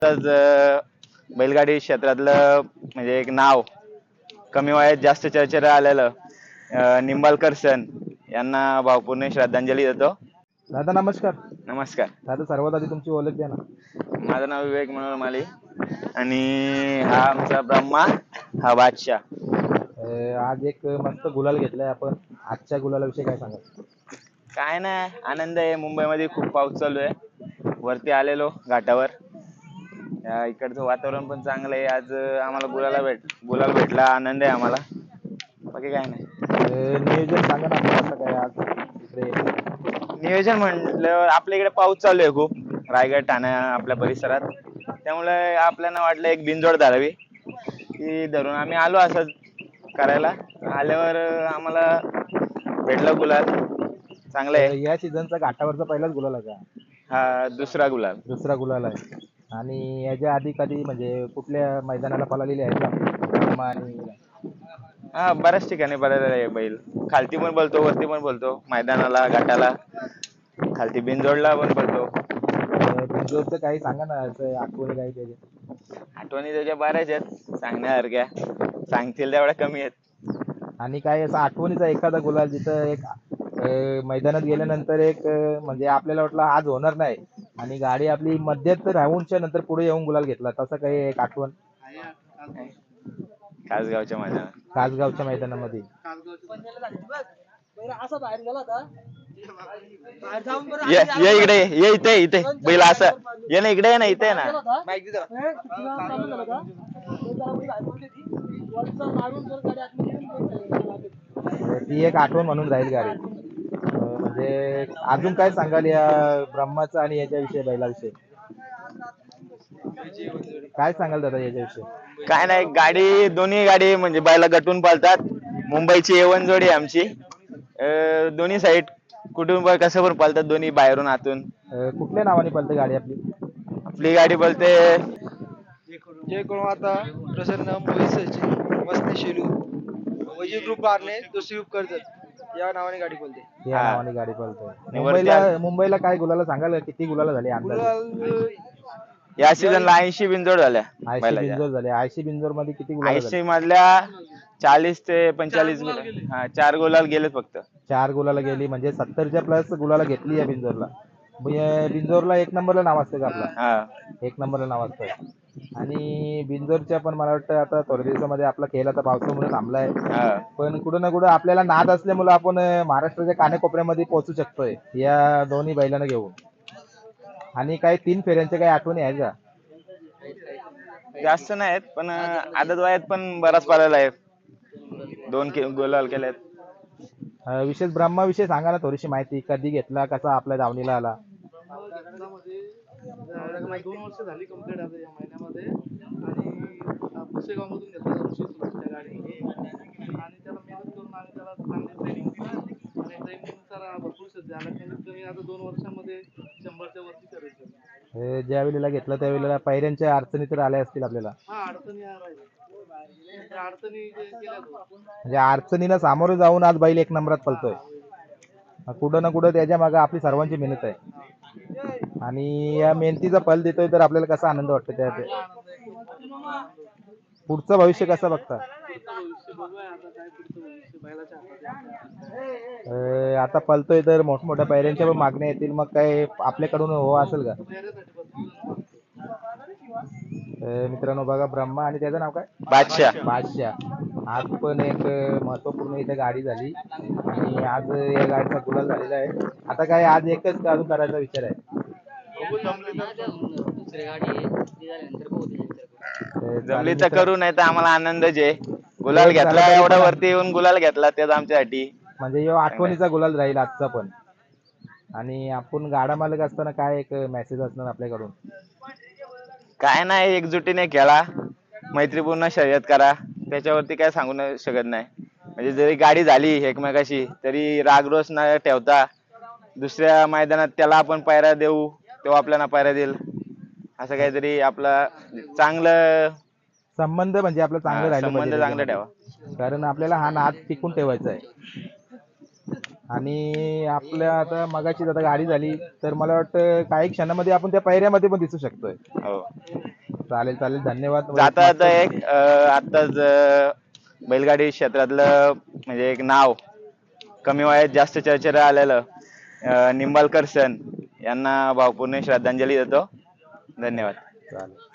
बैलगाडी क्षेत्रातलं म्हणजे एक नाव कमी वयात जास्त चर्चेत आलेलं निंबाळकर सण यांना भावपूर्ण श्रद्धांजली देतो. दादा नमस्कार. नमस्कार. दादा सर्वात आधी तुमची ओळख द्या ना. माझं नाव विवेक मनोहर माली आणि हा आमचा ब्रह्मा, हा बादशाह. आज एक मस्त गुलाल घेतलाय आपण. आजच्या गुलालाविषयी काय सांगाल? काय नाही, आनंद आहे. मुंबईमध्ये खूप पाऊस चालू आहे. वरती आलेलो घाटावर. इकडचं वातावरण पण चांगलं आहे. आज आम्हाला गुलाल भेटला, आनंद आहे आम्हाला. बाकी काय नाही. नियोजन सांगा ना आपलं कसं काय आज इकडे? नियोजन म्हटलं आपल्या इकडे पाऊस चालू आहे खूप, रायगड ठाणा आपल्या परिसरात. त्यामुळे आपल्याला वाटलं एक बिनजोड धरावी, ती धरून आम्ही आलो असं करायला. आल्यावर आम्हाला भेटलं गुलाल. चांगलं आहे. या सीझनचा घाटावरचा पहिलाच गुलाल आहे का? हा दुसरा गुलाल. दुसरा गुलाल आहे. आणि याच्या आधी कधी म्हणजे कुठल्या मैदानाला पळालेली आहे का ब्रह्मा आणि हा बऱ्याच ठिकाणी पळालेला आहे बैल. खालती पण बोलतो, वरती पण बोलतो, मैदानाला, घाटाला, खालती बिनजोडला पण बोलतो. बिंजोरचं काही सांगा ना, असं आठवणी काही त्याच्या. आठवणी त्याच्या बऱ्याच आहेत सांगण्यासारख्या, सांगतील तेवढ्या कमी आहेत. आणि काय असं आठवणीचा एखादा गुलाल जिथं एक मैदानात गेल्यानंतर एक म्हणजे आपल्याला वाटलं आज होणार नाही आणि गाडी आपली मध्यात राहूनच्या नंतर पुढे येऊन गुलाल घेतला, तसं काही एक आठवण? कासगावच्या मैदानात. कासगावच्या मैदानामध्ये ये इकडे, ये इथे, इथे बैल असं ये ना, इकडे ना, इथे ना. ती एक आठवण म्हणून राहील गाडी. म्हणजे अजून काय सांगाल या ब्रह्माचं आणि याच्याविषयी, बैलाविषयी काय सांगाल दादा याच्याविषयी? काय नाही, गाडी दोन्ही गाडी म्हणजे बैला गटून पालतात. मुंबईची A1 जोडी आहे आमची. दोन्ही साईड कुठून पण कसं पण पालतात, दोन्ही बाहेरून आतून. कुठल्या नावाने पळते गाडी आपली? आपली गाडी बोलते जे कोण आता प्रसन्न मोहित सचिन मस्ती शेलू वजी ग्रुप बारने दुसरी ग्रुप करतात या नावाने गाडी बोलते. या नावाने गाडी पळते. मुंबईला काय गुलाला सांगाल, किती गुलाला झाली अंदाज? या सीझनला 80 बिनजोड झाल्या. 80 बिंजोर झाले. 80 बिंजोर मध्ये किती गुलाल? 80 मधल्या 40 ते 45 हा 4 गुलाल गेले फक्त. 4 गुलाला गेली म्हणजे 70च्या प्लस गुलाला घेतली या बिंजोरला. बिंजोरला एक नंबरला नाव असतं का आपला? हा एक नंबरला नाव असतं. आणि बिंजोरच्या पण मला वाटतं आता थोड्या दिवसामध्ये आपला खेळ आता पावसामुळे थांबलाय, पण कुठं ना कुठं आपल्याला नाद असल्यामुळे आपण महाराष्ट्राच्या कानेकोपऱ्यामध्ये पोहोचू शकतोय या दोन्ही बैलांना घेऊन. आणि काही 3 फेऱ्यांच्या काही आठवणी आहेत का? जास्त नाहीत, पण आदत वयात पण बराच पळाला आहे. 2 गुलाल केलेत. विशेष ब्रह्माविषयी सांगा ना थोडीशी माहिती. कधी घेतला, कसा आपल्या धावणीला आला? 2 वर्ष झाली कंप्लीट आता या महिन्यामध्ये आणि पुसेगावमधून घेतला 216 गाडी आणि त्याला मेहनत करून आणि त्याला चांगली ट्रेनिंग दिली आणि ट्रेनिंगनुसार भरपूर सज्ज झाला. कमीत कमी आता 2 वर्षामध्ये 100च्या वरती करायचं. ज्या वेळेला घेतला त्यावेळेला पायऱ्यांच्या अडचणी तर आल्या असतील आपल्याला? हा अडचणी म्हणजे अडचणीला सामोरे जाऊन आज बैल 1 नंबरात पळतोय. कुठं ना कुठं त्याच्या मागे आपली सर्वांची मेहनत आहे आणि या मेहनतीचा फल देतोय तर आपल्याला कसा आनंद वाटतो त्या? पुढचं भविष्य कसं बघता? आता पळतोय तर मोठमोठ्या पायऱ्यांच्या पण मागण्या येतील, मग काय आपल्याकडून हो असेल का? मित्रांनो बघा, ब्रह्मा आणि त्याचं नाव काय? बादशाह. आज पण एक महत्वपूर्ण इथे गाडी झाली आणि आज या गाडीचा गुलाल झालेला आहे. आता काय आज एकच अजून करायचा विचार आहे? जमली तर करू, नाही तर आम्हाला आनंदच आहे. गुलाल घेतला, एवढा वरती येऊन गुलाल घेतला त्याच आमच्यासाठी. म्हणजे आठवणीचा गुलाल राहील आजचा पण. आणि आपण गाडा मालक असताना काय एक मेसेज असणार आपल्याकडून? काय नाही, एकजुटीने खेळा, मैत्रीपूर्ण शर्यत करा, त्याच्यावरती काय सांगू शकत नाही. म्हणजे जरी गाडी झाली एकमेकाशी तरी रागरोष न ठेवता दुसऱ्या मैदानात त्याला आपण पायऱ्या देऊ, तो आपल्याला पायऱ्या देईल, असं काहीतरी आपला चांगलं संबंध म्हणजे आपलं चांगलं राहिलं संबंध पाहिजे चांगलं ठेवा. कारण आपल्याला हा नाद टिकून ठेवायचा आहे. आणि आपल्या आता मगाची आता गाडी झाली तर मला वाटतं काही क्षणामध्ये आपण त्या पायऱ्यामध्ये पण दिसू शकतोय. हो. चालेल चालेल, धन्यवाद. जाता जाता एक आत्ताच बैलगाडी क्षेत्रातलं म्हणजे एक नाव कमी वयात जास्त चर्चेला आलेलं निंबाळकर सण यांना भावपूर्ण श्रद्धांजली देतो. धन्यवाद. चालेल.